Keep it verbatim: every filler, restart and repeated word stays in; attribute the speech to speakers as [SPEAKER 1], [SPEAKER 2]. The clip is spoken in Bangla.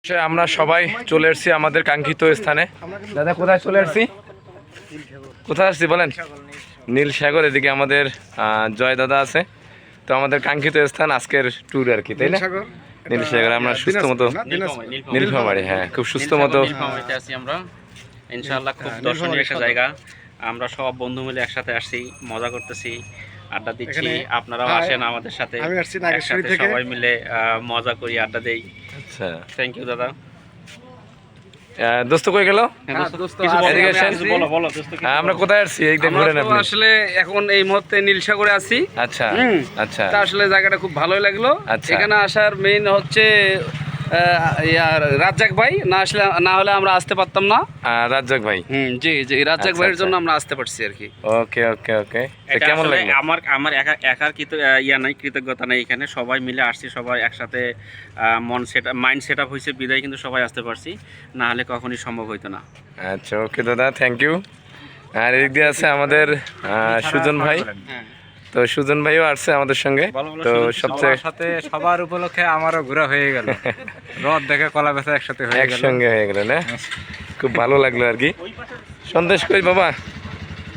[SPEAKER 1] আমরা সবাই চলে এসেছি আমাদের কাঙ্ক্ষিত স্থানে। দাদা কোথায় চলে এসেছি, কোথায় আসছি বলেন? নীল সাগর। এদিকে আমাদের জয় দাদা আছে। তো আমাদের কাঙ্ক্ষিত স্থান আজকের ট্যুর আর কি, তাই না? নীল সাগর। আমরা সুস্থ মতো নীলফামারী, হ্যাঁ খুব সুস্থ মতো
[SPEAKER 2] আছি আমরা ইনশাআল্লাহ। খুব দর্শনীয় একটা জায়গা। আমরা সব বন্ধু মিলে একসাথে আসছি, মজা করতেছি, আড্ডা দিচ্ছি। আপনারাও আসেন আমাদের সাথে, সবাই মিলে মজা করি, আড্ডা দেই।
[SPEAKER 1] আচ্ছা,
[SPEAKER 2] থ্যাংক ইউ দাদা।
[SPEAKER 1] দোস্ত কই গেল? আমরা কোথায় আসছি একদম ঘুরে নেব।
[SPEAKER 3] আসলে এখন এই মুহূর্তে নীলসাগরে আছি।
[SPEAKER 1] আচ্ছা আচ্ছা,
[SPEAKER 3] আসলে জায়গাটা খুব ভালোই লাগলো। এখানে আসার মেইন হচ্ছে রাজ্জাক ভাই, না আসলে না হলে আমরা আসতে পারতাম না।
[SPEAKER 1] রাজ্জাক ভাই,
[SPEAKER 3] হুম জি জি, রাজ্জাক ভাইয়ের জন্য আমরা আসতে পারছি আর কি।
[SPEAKER 1] ওকে ওকে ওকে। কেমন লাগলো?
[SPEAKER 2] আমার আমার একা একার কৃত ইয়া নাই, কৃতজ্ঞতা নাই। এখানে সবাই মিলে আসছি, সবাই একসাথে মন সেট মাইন্ড সেট আপ হয়েছে বিদায় কিন্তু সবাই আসতে পারছি, না হলে কখনই সম্ভব হইতো না।
[SPEAKER 1] আচ্ছা ওকে দাদা, থ্যাংক ইউ। আর এদিক দিয়ে আছে আমাদের সুজন ভাই। তো সুজন ভাইও আসছে আমাদের সঙ্গে। তো সবচেয়ে
[SPEAKER 4] সাথে সবার উপলক্ষে আমারও ঘোরা হয়ে গেল, রথ দেখে কলা বেচা একসাথে হয়ে গেল,
[SPEAKER 1] একসঙ্গে হয়ে গেল না? খুব ভালো লাগলো আর কি। সন্দেশ কই বাবা?